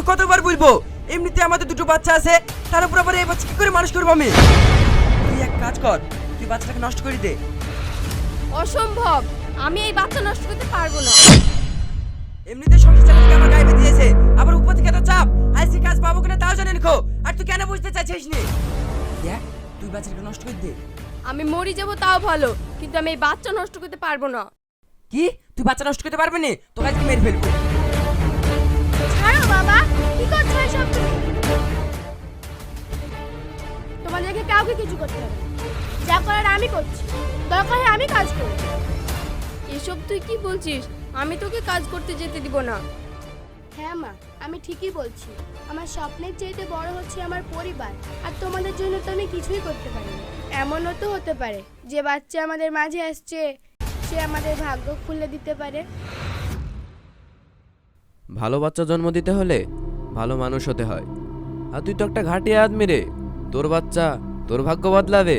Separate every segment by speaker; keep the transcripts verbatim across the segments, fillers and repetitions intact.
Speaker 1: কতবার বলবো, এমনিতে আমাদের দুটো বাচ্চা আছে, তার উপর আবার এই বাচ্চা কি করে মানুষ করবো আমি? তুই এক কাজ কর, তুই বাচ্চাটাকে নষ্ট করে দে।
Speaker 2: অসম্ভব, আমি এই বাচ্চা নষ্ট করতে পারবো না।
Speaker 1: এমনিতে সংসার চালাতে আমার গায়ে দিয়েছে, আবার উপর থেকে এত চাপ, আইসি কাজ পাবো কিনা তাও জানেন খো। আর তুই কেন বুঝতে চাইছিস নি? দেখ, তুই বাচ্চাটাকে নষ্ট করে দে।
Speaker 2: আমি মরে যাব তাও ভালো, কিন্তু আমি এই বাচ্চা নষ্ট করতে পারবো না।
Speaker 1: কি, তুই বাচ্চা নষ্ট করতে পারবি না? তোকে আজকে মেরে ফেলবো।
Speaker 2: ছাড়ো বাবা, কি করছো এসব তুমি? তোমাদেরকে কাউকে কিছু করতে হবে না। যা করার আমি করছি, দরকার হয় আমি কাজ করব। এসব তুই কি বলছিস? আমি তোকে কাজ করতে যেতে দিব না।
Speaker 3: হ্যাঁ মা, আমি ঠিকই বলছি। আমার স্বপ্নের চাইতে বড় হচ্ছে আমার পরিবার, আর তোমাদের জন্য তো আমি কিছুই করতে পারি না। এমনও তো হতে পারে যে বাচ্চা আমাদের মাঝে আসছে সে আমাদের ভাগ্য খুলে দিতে পারে।
Speaker 4: ভালো বাচ্চা জন্ম দিতে হলে ভালো মানুষ হতে হয়। আর তুই তো একটা ঘাটিয়া আদমি রে, তোর বাচ্চা তোর ভাগ্য বদলাবে।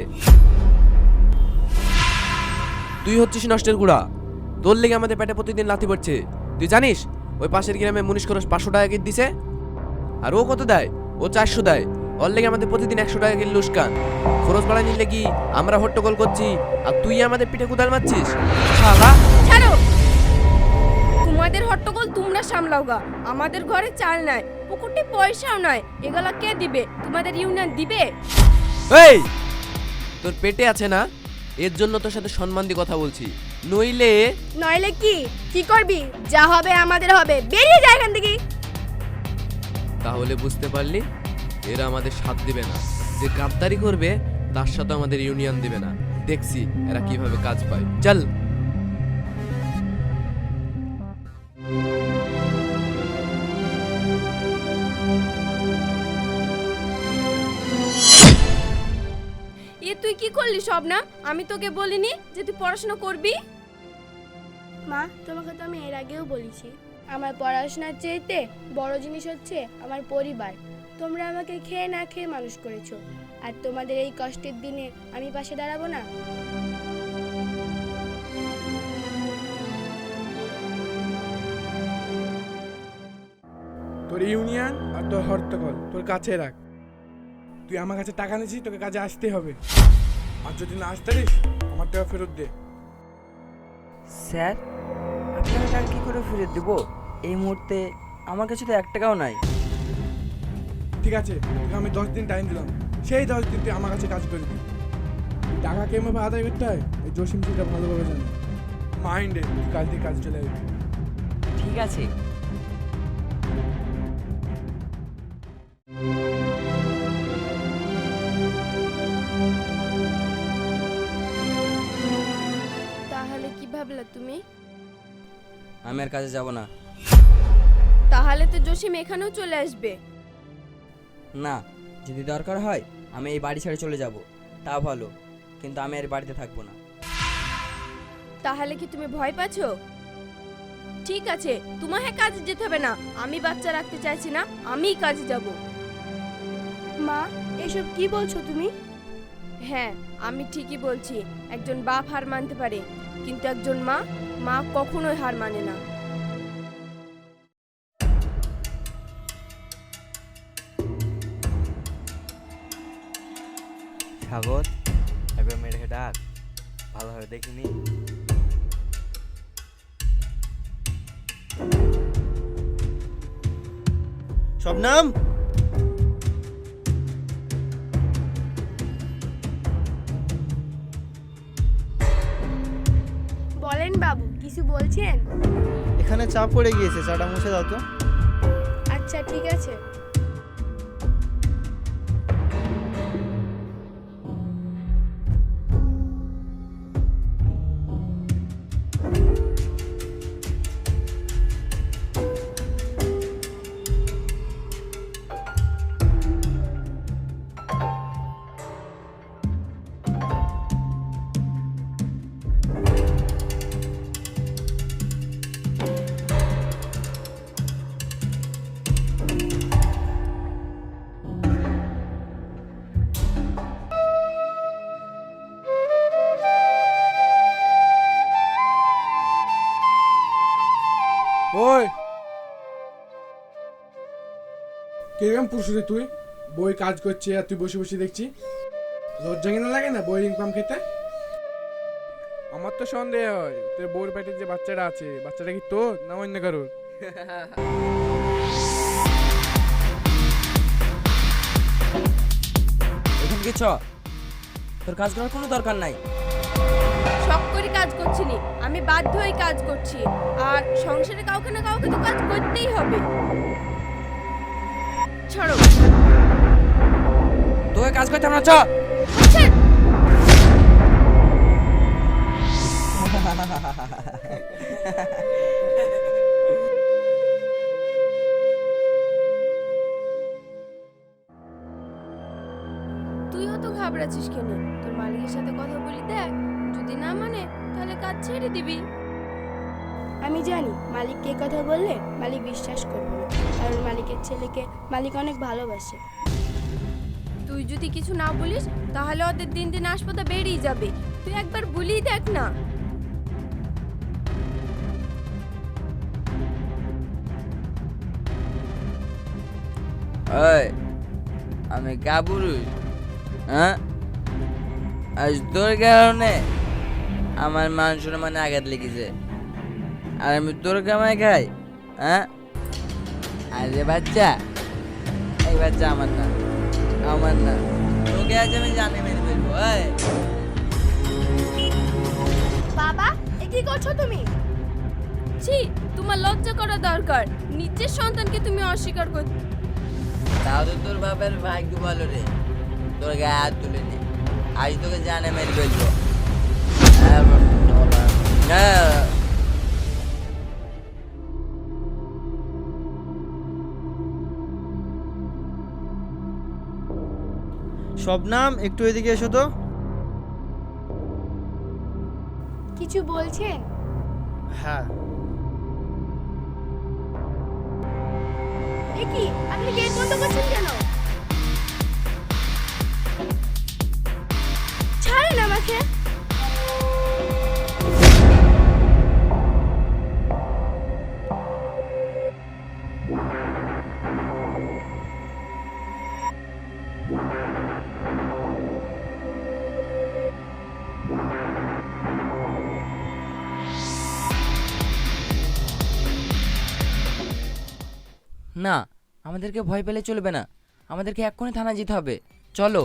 Speaker 4: তুই হচ্ছিস নষ্টের গুড়া, তোর লেগে আমাদের পেটে প্রতিদিন লাথি পড়ছে। তুই জানিস ওই পাশের গ্রামে মুনিশ খরচ পাঁচশো টাকা কিট দিছে, আর ও কত দেয়? ও চারশো দেয়। ওর লেগে আমাদের প্রতিদিন একশো টাকা কিলো লুস্কান। খরচ বাড়া নিলে কি আমরা হট্টগোল করছি, আর তুই আমাদের পিঠে কুদাল মারছিস। শালা
Speaker 2: ছাড়ো, তোমাদের হট্টগোল তোমরা সামলাও গা। আমাদের ঘরে চাল নাই, পুকুরটি পয়সাও নাই, এগুলা কে দিবে? তোমাদের ইউনিয়ন দিবে?
Speaker 4: এই, তোর পেটে আছে না, এর জন্য তোর সাথে সম্মান দিয়ে কথা বলছি, নইলে
Speaker 3: নইলে কি কি করবি? যা হবে আমাদের হবে, বেরিয়ে যা এখান থেকে।
Speaker 4: তাহলে বুঝতে পারলি এরা আমাদের সাথ দিবে না। যে গাদ্দারি করবে তার সাথে আমাদের ইউনিয়ন দিবে না। দেখছি এরা কিভাবে কাজ পায়। চল।
Speaker 2: এ তুই কি করলি শবনা? আমি তোকে বলিনি যে তুই পড়াশোনা করবি?
Speaker 3: মা, তোমাকে তো আমি এর আগেও বলেছি, আমার পড়াশোনার চাইতে বড় জিনিস হচ্ছে আমার পরিবার। তোমরা আমাকে খেয়ে না খেয়ে মানুষ করেছো, আর তোমাদের এই কষ্টের দিনে আমি পাশে দাঁড়াবো না?
Speaker 5: তোর ইউনিয়ন আর তোর হট্টগোল তোর কাছে রাখ। তুই আমার কাছে টাকা নিয়েছিস, তোকে কাজে আসতে হবে। আর যদি না আসতে পারিস আমার টাকা ফেরত দে।
Speaker 1: স্যার, আপনাকে টাকা কি করে ফেরত দেবো? এই মুহূর্তে আমার কাছে তো এক টাকাও নাই।
Speaker 5: ঠিক আছে, তোকে আমি দশ দিন টাইম দিলাম, সেই দশ দিন তুই আমার কাছে কাজ করবি। টাকা কেমন আদায় করতে হয় এই জসিম সেটা ভালোভাবে জানে। মাইন্ডে তুই কাল থেকে কাজ চলে আসবি।
Speaker 1: ঠিক আছে।
Speaker 2: তাহলে কি ভাবলা তুমি?
Speaker 1: আমি আর কাজে যাব না।
Speaker 2: তাহলে তো জসিম এখানেও চলে আসবে।
Speaker 1: না, যদি দরকার হয় আমি এই বাড়ি ছেড়ে চলে যাব, তা ভালো, কিন্তু আমি আর বাড়িতে থাকবো না।
Speaker 2: তাহলে কি তুমি ভয় পাচ্ছো? ঠিক আছে, তোমাকে কাজে যেতে হবে না। আমি বাচ্চা রাখতে চাইছি না, আমিই কাজে যাব।
Speaker 3: মা, এসব কি বলছো তুমি?
Speaker 2: হ্যাঁ, আমি ঠিকই বলছি। একজন বাপ হার মানতে পারে, কিন্তু একজন মা মা কখনোই হার মানে না।
Speaker 6: সাগর, একবার মেয়েটাকে ডাক, ভালোভাবে দেখিনি। শবনম,
Speaker 3: বলেন বাবু, কিছু বলছেন?
Speaker 6: এখানে চাপ পড়ে গিয়েছে, চাটা মুছে দাও তো।
Speaker 3: আচ্ছা ঠিক আছে।
Speaker 5: ওই কিরকম পুরুষ রে তুই? বই কাজ করছে আর তুই বসে বসে দেখছি। লজ্জা কেন লাগে না বইয়ের ইনকাম খেতে? আমার তো সন্দেহ হয় তোর বউর পেটে যে বাচ্চাটা আছে, বাচ্চাটা কি তোর না অন্য কারোর?
Speaker 1: এখন কি ছ তোর কাজ করার কোনো দরকার নাই।
Speaker 2: শখ করে কাজ করছি নি, আমি বাধ্য হয়ে কাজ করছি। আর সংসারে কাউকে না কাউকে তো কাজ করতেই হবে। ছাড়ো।
Speaker 1: তোকে কাজ করতে আমরা চ।
Speaker 2: ছেড়। তুইও তো ঘাবড়াচ্ছিস কেন? তোর মালিকের সাথে কথা বলি দেখ, যদি না মানে তাহলে কাজ ছেড়ে দিবি।
Speaker 3: আমি জানি মালিককে এই কথা বললে মালিক বিশ্বাস করবে না, কারণ মালিকের ছেলেকে মালিক অনেক ভালোবাসে।
Speaker 2: তুই যদি কিছু না বলিস তাহলে ওদের দিন দিন আসপাতা বেরিয়ে যাবে। তুই একবার বলি দেখ না।
Speaker 6: ওই আমি কা পুরুষ? হ্যাঁ, আজ তোর কারণে আমার মান সম্মানে আঘাত লেগেছে, আর আমি তোর কামাই খাই? হ্যাঁ, আরে বাচ্চা, এই বাচ্চা আমার না, আমার না। তোকে আজ আমি জানে মেরে ফেলবো। ওই
Speaker 3: বাবা, এ কি করছো তুমি?
Speaker 2: ছি, তোমার লজ্জা করা দরকার। নিজের সন্তানকে তুমি অস্বীকার কর।
Speaker 6: তাও তো তোর বাপের ভাগ্য ভালো রে, তোর গায়ে হাত তুলে নে। আজ তোকে জানে মেরে ফেলবো। হ্যাঁ,
Speaker 7: শবনাম, একটু এদিকে এসো তো।
Speaker 3: কিছু বলছেন?
Speaker 7: হ্যাঁ,
Speaker 3: এ কি, আপনি গেট বন্ধ করছেন কেন? ছাড়েন আমাকে।
Speaker 6: না, আমাদেরকে ভয় পেলে চলবে না, আমাদেরকে এক্ষুনি থানা যেতে হবে। চলো।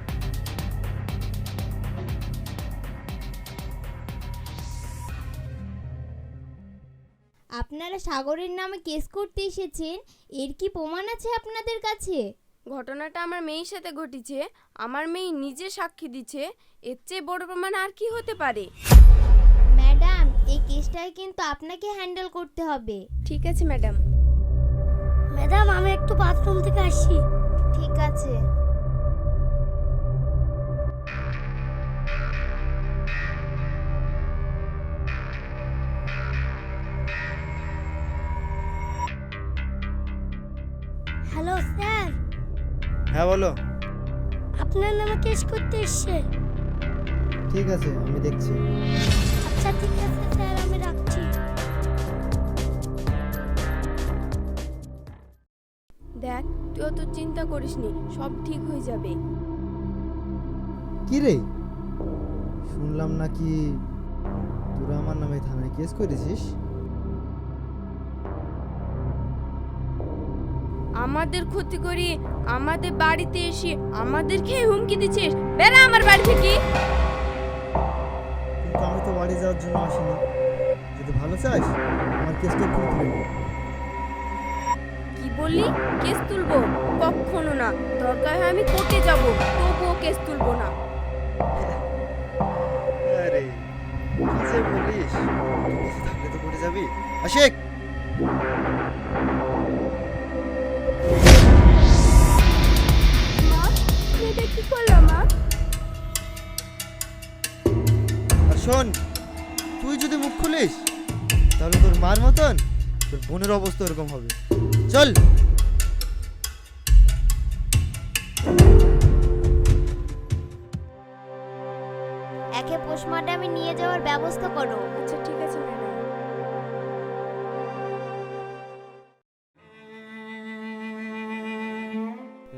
Speaker 8: আপনারা সাগরের নামে কেস করতে এসেছেন, এর কি প্রমাণ আছে আপনাদের কাছে?
Speaker 2: ঘটনাটা আমার মেয়ের সাথে ঘটেছে, আমার মেয়ে নিজে সাক্ষী দিচ্ছে। এর চেয়ে বড় প্রমাণ আর কি হতে পারে?
Speaker 8: ম্যাডাম, এই কেসটাকে কিন্তু আপনাকে হ্যান্ডেল করতে হবে।
Speaker 2: ঠিক আছে ম্যাডাম।
Speaker 3: ম্যাডাম, আমি একটু বাথরুম থেকে আসি।
Speaker 8: ঠিক আছে।
Speaker 3: হ্যালো স্যার,
Speaker 7: হ্যাঁ বলো।
Speaker 3: আপনার নামে কেস করতে এসছে।
Speaker 7: ঠিক আছে, আমি দেখছি।
Speaker 3: আচ্ছা ঠিক আছে স্যার, আমি রাখছি।
Speaker 2: দেখ, তুই অত চিন্তা করিস নি, সব ঠিক হয়ে যাবে।
Speaker 7: কি রে, শুনলাম নাকি তোরা আমার নামে থানায় কেস করেছিস?
Speaker 2: আমাদের ক্ষতি করি, আমাদের বাড়িতে এসে আমাদেরকে হুমকি দিচ্ছিস? বেরা আমার বাড়ি থেকে।
Speaker 7: কিন্তু আমি তো বাড়ি যাওয়ার জন্য আসিনি। যদি ভালো চাস আমার কেসটা খুব তুলে নে।
Speaker 2: কি বললি? কেস তুলবো? কখনো না। দরকার হয় আমি কোর্টে যাব, তবুও কেস তুলবো না।
Speaker 7: আরে কি যে বলিস, তুই বেঁচে থাকলে তো করে যাবি। আশিক,
Speaker 3: মা, তুমি এটা কি করলো মা?
Speaker 7: আর শোন, তুই যদি মুখ খুলিস তাহলে তোর মার মতন তোর বোনের অবস্থা এরকম হবে। চল।
Speaker 8: একে পোস্টমর্টমে নিয়ে যাওয়ার ব্যবস্থা করো।
Speaker 2: আচ্ছা ঠিক আছে ম্যাডাম।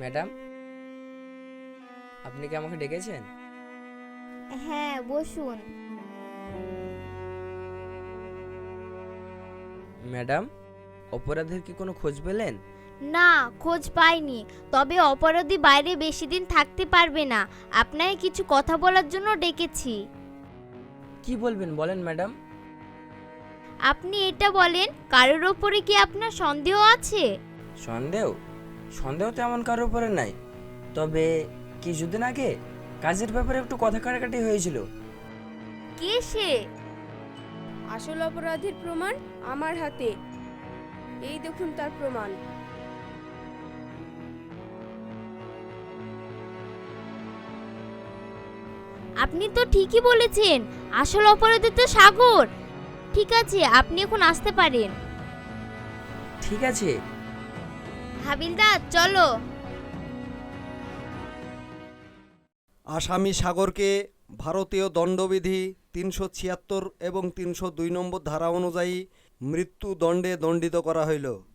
Speaker 1: ম্যাডাম, আপনি কি আমাকে ডেকেছেন?
Speaker 8: হ্যাঁ, বসুন।
Speaker 1: ম্যাডাম, অপরাধের কি কোনো খোঁজ পেলেন?
Speaker 8: না, খোঁজ পাইনি। তবে অপরাধী বাইরে বেশি দিন থাকতে পারবে না। আপনাকে কিছু কথা বলার জন্য ডেকেছি।
Speaker 1: কি বলবেন বলেন ম্যাডাম।
Speaker 8: আপনি এটা বলেন, কারোর ওপরে কি আপনার সন্দেহ আছে?
Speaker 1: সন্দেহ? সন্দেহ তো এমন কারোর উপরে নাই, তবে কিছুদিন আগে কাজের ব্যাপারে একটু কথা কাটাকাটি হয়েছিল।
Speaker 8: কে সে?
Speaker 2: আসল অপরাধীর প্রমাণ আমার হাতে। এই দেখুন তার প্রমাণ।
Speaker 8: আপনি তো ঠিকই বলেছেন, আসল অপরাধী তো সাগর। ঠিক আছে, আপনি এখন আসতে পারেন।
Speaker 1: ঠিক আছে।
Speaker 8: হাবিলদার, চলো।
Speaker 9: আসামি সাগরকে ভারতীয় দণ্ডবিধি তিনশো ছিয়াত্তর এবং তিনশো দুই নম্বর ধারা অনুযায়ী মৃত্যুদণ্ডে দণ্ডিত করা হইল।